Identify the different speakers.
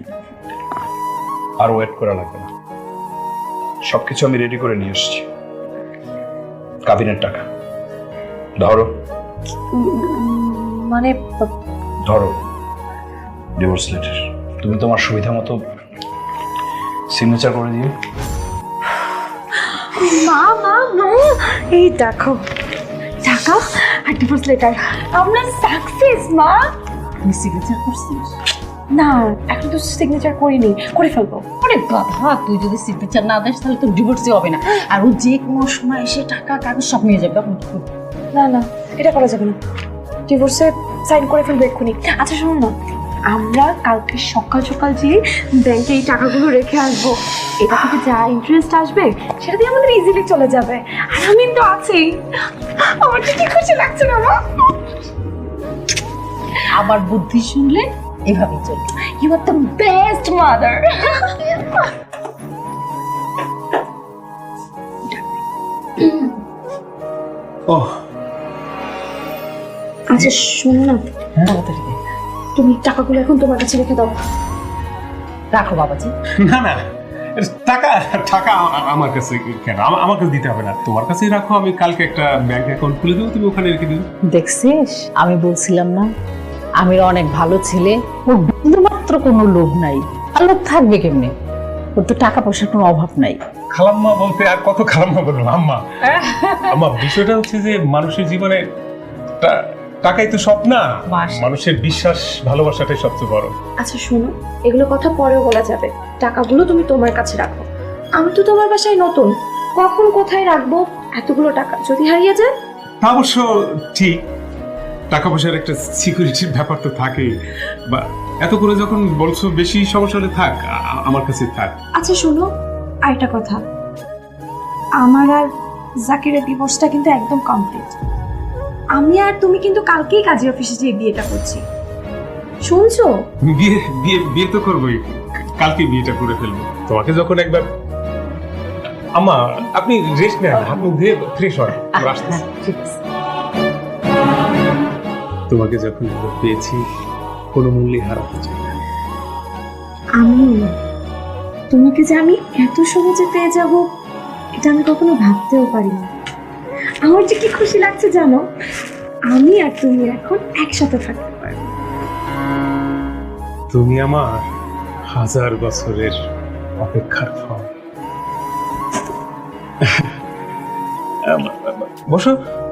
Speaker 1: আর wait করা লাগবে না, সবকিছু আমি রেডি করে নিয়ে এসেছি। কাবিনের টাকা ধরো।
Speaker 2: মানে
Speaker 1: ধরো ডিভোর্স লেটার, তুমি তোমার সুবিধা মতো সিগনেচার করে দিও।
Speaker 2: মা মা মা, এই দেখো টাকা আর ডিভোর্স লেটার, আমরা সাকসেস মা।
Speaker 3: তুই সিগনেচার করছিস?
Speaker 2: না, এখন তো সিগনেচার করিনি, করে ফেলবো।
Speaker 3: আরে বাবা, তুই যদি সিগনেচার না দিস তাহলে তোর ডিভোর্সই হবে না, আর ও যে কোনো সময় এসে টাকা কাগজ সব নিয়ে যাবে। তখন কি করবি?
Speaker 2: না না, এটা করা যাবে না, ডিভোর্সে সাইন করে ফেলবো এক্ষুনি। আচ্ছা শোনো না, আমরা কালকে সকাল সকাল যেয়ে ব্যাংকে এই টাকাগুলো রেখে আসবো। এটা থেকে যা ইন্টারেস্ট আসবে সেটা দিয়ে আমাদের ইজিলি চলে যাবে। আর আমি তো আছি, আমার কি খুশি লাগছে না মা।
Speaker 3: আবার বুদ্ধি শুনলে এভাবেই চলবে।
Speaker 2: You are the best mother.
Speaker 1: ওহ
Speaker 2: আচ্ছা শোনো না,
Speaker 3: তাড়াতাড়ি দে।
Speaker 2: তুমি টাকাগুলো এখন তোমার কাছে রেখে দাও।
Speaker 3: রাখো বাবাজি।
Speaker 4: না না, টাকা টাকা আমার কাছে কেন? আমার কাছে দিতে হবে না, তোমার কাছেই রাখো। আমি কালকে একটা ব্যাংক অ্যাকাউন্ট খুলে দেবো, তুমি ওখানে রেখে দিও।
Speaker 3: দেখছিস, আমি বলছিলাম না আমির অনেক ভালো ছেলে, ওর বিন্দুমাত্র কোনো লোভ নাই। আর লোভ থাকবে কেমনে? ওর তো টাকা পয়সার কোনো অভাব নাই।
Speaker 4: খালাম্মা বলতে আর কত খালাম্মা বলবো? আম্মা আমার বিষয়টা হচ্ছে যে মানুষের জীবনে টাকাই তো সব না, মানুষের বিশ্বাস ভালোবাসাটাই সবচেয়ে বড়।
Speaker 2: আচ্ছা শোনো, এগুলো কথা পরেও বলা যাবে, টাকাগুলো তুমি তোমার কাছে রাখো। আমি তো তোমার বাসায় নতুন, কখন কোথায় রাখবো এতগুলো টাকা যদি হারিয়ে যায়?
Speaker 4: তা অবশ্য ঠিক, টাকা পয়সার একটা সিকিউরিটির ব্যাপার তো থাকেই। বা এত করে যখন বলছো বেশি সমস্যা হলে থাক, আমার কাছে থাক।
Speaker 2: আচ্ছা শোনো, আরেকটা কথা, আমার আর জাকিরের ডিভোর্সটা কিন্তু একদম কমপ্লিট। আমি আর তুমি কিন্তু কালকেই কাজী অফিসে যেয়ে বিয়েটা করছি, শুনছো?
Speaker 4: বিয়ে বিয়ে বিয়ে তো করবোই, কালকে বিয়েটা করে ফেলবো। তোমাকে যখন একবার আম্মা, আপনি রেস্ট নেন, হাত মুখ ধুয়ে ফ্রেশ হয়, আমরা আসতেছি।
Speaker 3: ঠিক আছে।
Speaker 4: তোমাকে যখন পেয়েছি কোনো মূল্যে হারাতে চাই না।
Speaker 2: আমি তোমাকে যে আমি এত সহজে পেয়ে যাব এটা আমি কখনো ভাবতেও পারিনি। আমার যে কি খুশি লাগছে জানো, আমি আর তুমি এখন একসাথে থাকতে পারবো।
Speaker 4: তুমি আমার 1000 বছরের অপেক্ষার ফল। বসো।